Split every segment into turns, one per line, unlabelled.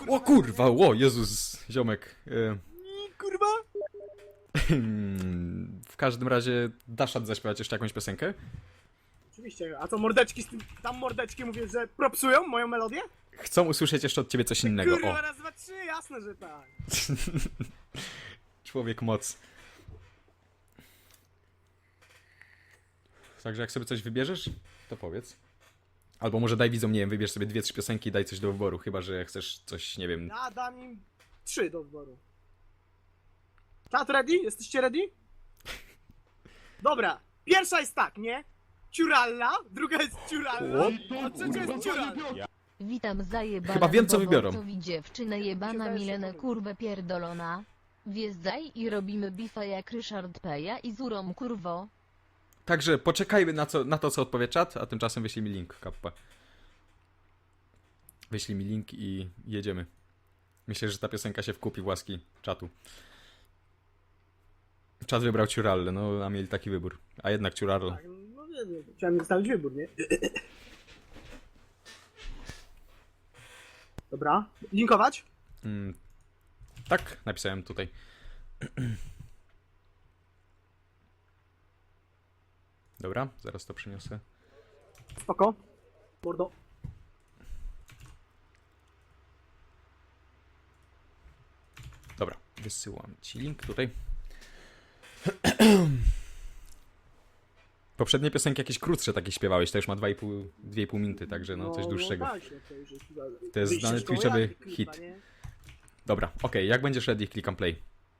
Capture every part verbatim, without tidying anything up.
O kurwa, o Jezus, ziomek. E,
Kurwa!
w każdym razie dasz rad zaśpiewać jeszcze jakąś piosenkę?
Oczywiście, a co mordeczki z tym, tam mordeczki mówię, że propsują moją melodię?
Chcą usłyszeć jeszcze od ciebie coś innego.
Kurwa,
O,
raz, dwa, trzy, jasne, że tak.
człowiek moc. Także jak sobie coś wybierzesz, to powiedz. Albo może daj widzom, nie wiem, wybierz sobie dwie, trzy piosenki i daj coś do wyboru, chyba że chcesz coś, nie wiem.
Ja dam im trzy do wyboru. Czat ready? Jesteście ready? Dobra, pierwsza jest tak, nie? Ciuralla, druga jest ciuralla, a trzecia jest ciuralla.
Witam zajebana.
Chyba wiem, co wybiorą.
To dziewczynę jebana
Siadaj,
Milenę
siadaj.
kurwę pierdolona. Wjeżdżaj i robimy bifa jak Ryszard Peja i Zurą kurwo.
Także poczekajmy na, co, na to, co odpowie czat, a tymczasem wyślij mi link, kappa. Wyślij mi link i jedziemy. Myślę, że ta piosenka się wkupi w łaski czatu. Czat wybrał Ciurallę, no a mieli taki wybór. A jednak Ciurallo.
Tak, no nie wiem, chciałem zostawić wybór, nie? Dobra, linkować?
Mm, tak, napisałem tutaj. Dobra, zaraz to przyniosę.
Spoko. Mordo.
Dobra, wysyłam ci link tutaj. Poprzednie piosenki jakieś krótsze takie śpiewałeś, to już ma dwa i pół minuty, także no coś dłuższego.
No, właśnie, to, już jest,
To jest
wyjście
znany
z szkoły
twitchowy
jazdy, kurwa,
hit.
nie?
Dobra, okej, jak będziesz ready, klikam play.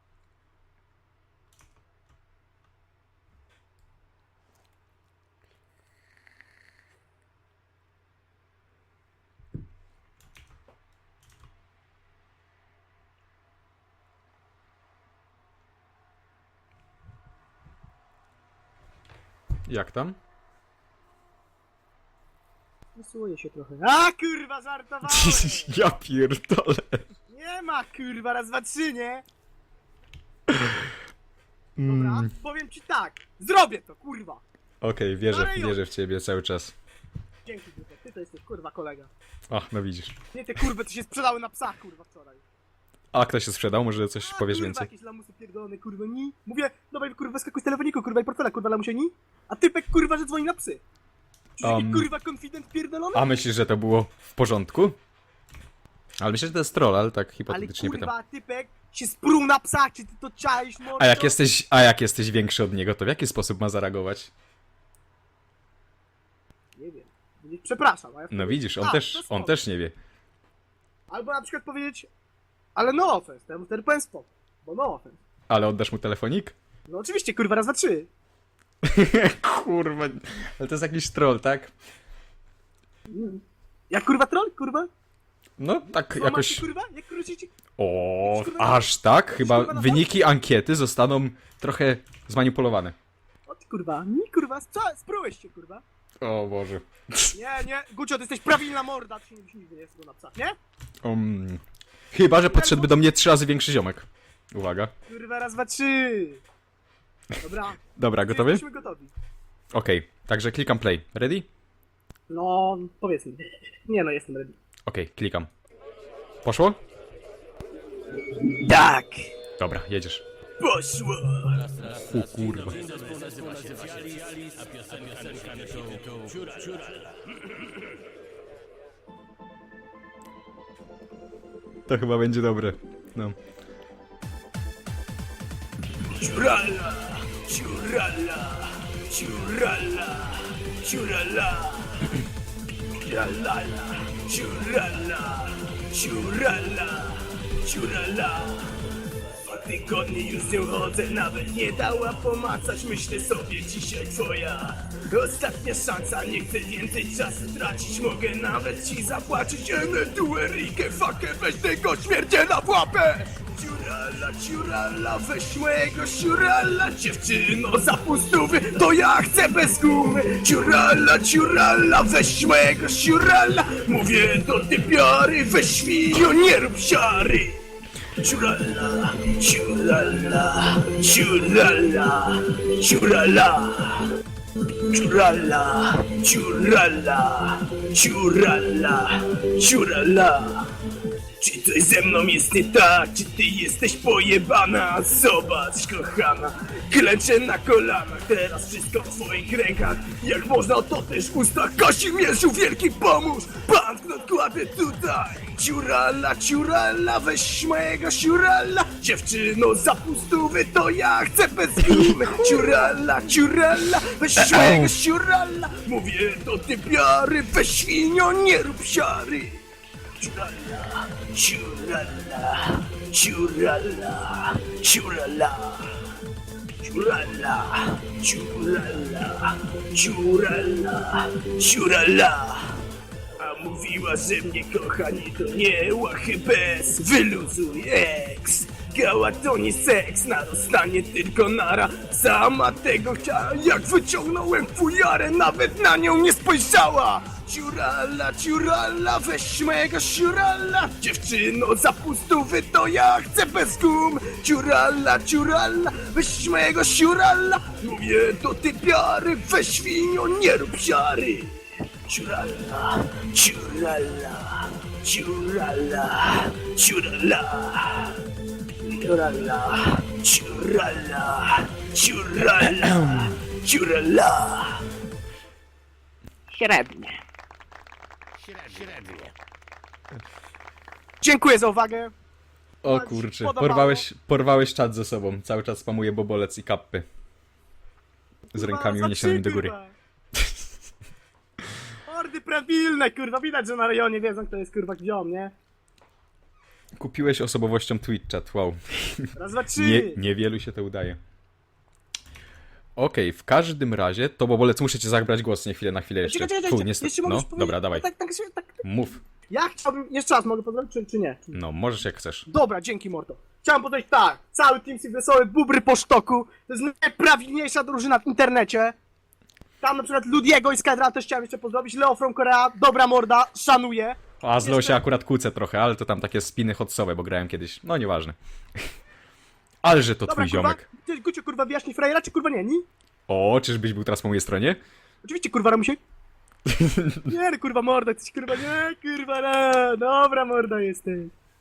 Jak tam?
Wysyłuje się trochę. A kurwa, żartowałem!
Ja pierdolę.
Nie ma kurwa, raz, dwa, trzy, nie? Dobra,
Mm,
powiem ci tak. Zrobię to, kurwa.
Okej, wierzę,
Ale już.
wierzę w ciebie cały czas.
Dzięki, kurwa. Ty to jesteś kurwa kolega.
Ach, no widzisz.
Nie te kurwy, co się sprzedały na psach, kurwa, wczoraj.
A kto się sprzedał? Może coś
A,
powiesz
kurwa,
więcej?
jakieś lamusy pierdolone, kurwa, ni. Mówię, dawaj, kurwa, skakuj z telefoniku, kurwa, i portfela, kurwa, lamusie, ni. A typek, kurwa, że dzwoni na psy. Czy
Um,
taki, kurwa, konfident pierdolony?
A myślisz, że to było w porządku? Ale myślę, że to jest troll, ale tak
Ale
hipotetycznie pytam.
kurwa, typek się spruł na psach, czy ty to czaisz, mordo?
A jak jesteś, a jak jesteś większy od niego, to w jaki sposób ma zareagować?
Nie wiem. Powiedzieć, przepraszam, a ja
No widzisz, on
A,
też,
to
on
spoko.
też nie wie.
Albo na przykład powiedzieć, ale no offense, to ja mu wtedy powiem spoko, bo no offense.
Ale oddasz mu telefonik?
No oczywiście, kurwa, raz, dwa, trzy.
Kurwa, ale to jest jakiś troll, tak?
Jak kurwa troll, kurwa?
No tak
Jakoś...
jakoś...
kurwa? Jak krócicie?
O,
Kurwa,
aż tak? Chyba
kurwa na
wyniki ankiety zostaną trochę zmanipulowane.
O ty kurwa, nie kurwa, stra- sprułeś się, kurwa.
O Boże.
Nie, nie, Gucio, ty jesteś prawilna morda, ty się nie nigdy nie jest go na psach, nie?
Um, chyba, że podszedłby do mnie trzy razy większy ziomek. Uwaga.
Kurwa, raz, dwa, trzy. Dobra.
Dobra, gotowy?
Jesteśmy gotowi.
Okej, także klikam play. Ready?
No, powiedzmy. Nie no, jestem ready.
Okej, klikam. Poszło?
Tak,
Dobra, jedziesz.
poszło.
U kurwa. To chyba będzie dobre. No.
Ciurala, ciurala, ciurala, ciurala, ciurala, ciurala, ciurala, ciurala. Dwa tygodnie już nie chodzę, nawet nie dała pomacać. Myślę sobie, dzisiaj twoja ostatnia szansa. Nie chcę więcej czasu tracić, mogę nawet ci zapłacić. Enę duerikę, fakę, weź tego śmierdziela w łapę. Ciurala, ciurala, weź mojego ciurala. Dziewczyno za pustówy, to ja chcę bez gumy. Ciurala, ciurala, weź mojego ciurala. Mówię do typiary, weź świnio, nie rób siary. Ciurala, ciurala, ciurala, ciurala. Ciurala, ciurala, ciurala, ciurala. Czy coś ze mną jest nie tak? Czy ty jesteś pojebana? Zobacz, kochana, klęczę na kolanach, teraz wszystko w twoich rękach. Jak można, to też w ustach. Kazimierzu Wielki, pomóż! Pan kładę tutaj. Ciurala, ciurala, weź mojego ciurala. Dziewczyno, za pustówy to ja chcę bez gumy. Ciurala, ciurala, weź mojego ciurala. Mówię do typiary, weź świnio, nie rób siary. Ciurala, ciurala, ciurala, ciurala, ciurala, ciurala, ciurala, ciurala. A mówiła, że mnie kocha, nie to nie łachy bez. Wyluzuj eks, gała to nie seks, narostanie tylko nara. Sama tego chciała, jak wyciągnąłem fujarę, nawet na nią nie spojrzała. Ciurala, ciurala, weź mojego ciurala. Dziewczyno, za pustówy to ja chcę bez gum. Ciurala, ciurala, weź mojego ciurala. Mówię do typiary, weź świnio, nie rób siary. Ciurala, ciurala, ciurala, ciurala. Ciurala, ciurala, ciurala, ciurala.
Średnie.
Dziękuję za uwagę.
O
Ci
kurczę,
podobało?
porwałeś, porwałeś czat ze sobą. Cały czas spamuje bobolec i kappy. Z rękami
Kurwa,
uniesionymi
za
do góry.
kurwa. Mordy prawilne, kurwa, widać, że na rejonie wiedzą, kto jest kurwa gdziom, nie?
Kupiłeś osobowością Twitch chat, wow.
Raz, dwa, trzy.
Nie, niewielu się to udaje. Okej, w każdym razie, to bobolec, muszę cię zabrać głos, nie chwilę, na chwilę jeszcze.
Czekaj, czekaj,
Fu,
czekaj,
niestety,
jeszcze
no,
mogę powiedzieć-
dobra, dawaj,
Tak, tak, tak, tak.
mów.
Ja chciałbym, jeszcze raz mogę pozdrowić, czy, czy nie?
No, możesz jak chcesz.
Dobra, dzięki mordo. Chciałem powiedzieć tak, cały Team Six Wesoły, bubry po sztoku, to jest najprawilniejsza drużyna w internecie. Tam na przykład Ludiego i Skydra też chciałem jeszcze pozdrowić, Leo from Korea, dobra morda, szanuję.
A z Leo się
Jeszcze-
akurat kłócę trochę, ale to tam takie spiny hotsowe, bo grałem kiedyś. No, nieważne. Ale że to
Dobra,
twój
kurwa,
ziomek.
ty, Gucio, kurwa, wyjaśnij frajera, czy kurwa nie, nie?
O, czyżbyś był teraz po mojej stronie?
Oczywiście, kurwa, Ramusiek. Nie, no, kurwa, morda, jesteś, kurwa, nie, kurwa, no, dobra morda jesteś.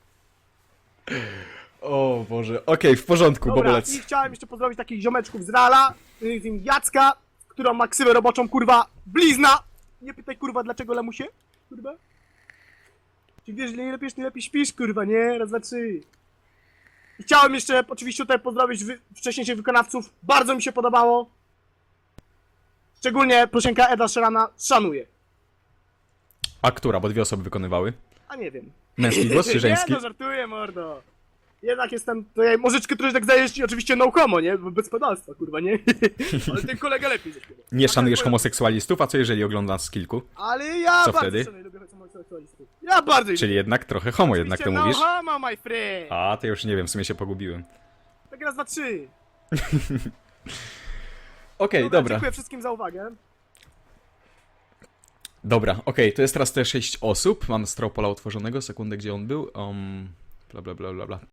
O Boże, okej, w porządku,
Dobra,
bobolec.
i chciałem jeszcze pozdrowić takich ziomeczków z Rala, y, z nim Jacka, którą ma ksywę roboczą, kurwa, blizna. Nie pytaj, kurwa, dlaczego lamusie, kurwa. Czy wiesz, że nie lepiej, nie lepiej śpisz, kurwa, nie? Raz, dwa, trzy. I chciałem jeszcze oczywiście tutaj pozdrowić wy wcześniejszych wykonawców, bardzo mi się podobało. Szczególnie proszenka Eda Sherana, szanuję.
A która, bo dwie osoby wykonywały?
A nie wiem.
Męski głos czy żeński?
Nie, no żartuję, mordo. Jednak jestem tutaj, możeczkę troszkę tak zajesz i oczywiście no homo, nie? Bez pedalstwa, kurwa, nie? Ale ten kolega lepiej zaśpiewa.
Nie szanujesz
Tak,
homoseksualistów, a co jeżeli oglądasz z kilku?
Ale ja
Co
bardzo
wtedy?
szanuję, lubię homoseksualistów. Ja bardzo ich
Czyli jednak trochę homo, jednak to
Oczywiście
mówisz?
No homo, my friend.
A, to już nie wiem, w sumie się pogubiłem.
Tak raz, dwa, trzy.
Okej,
Dobra,
dobra.
dziękuję wszystkim za uwagę.
Dobra, okej, to jest teraz te sześć osób. Mam Stropola otworzonego, sekundę, gdzie on był. Um, bla bla bla bla bla.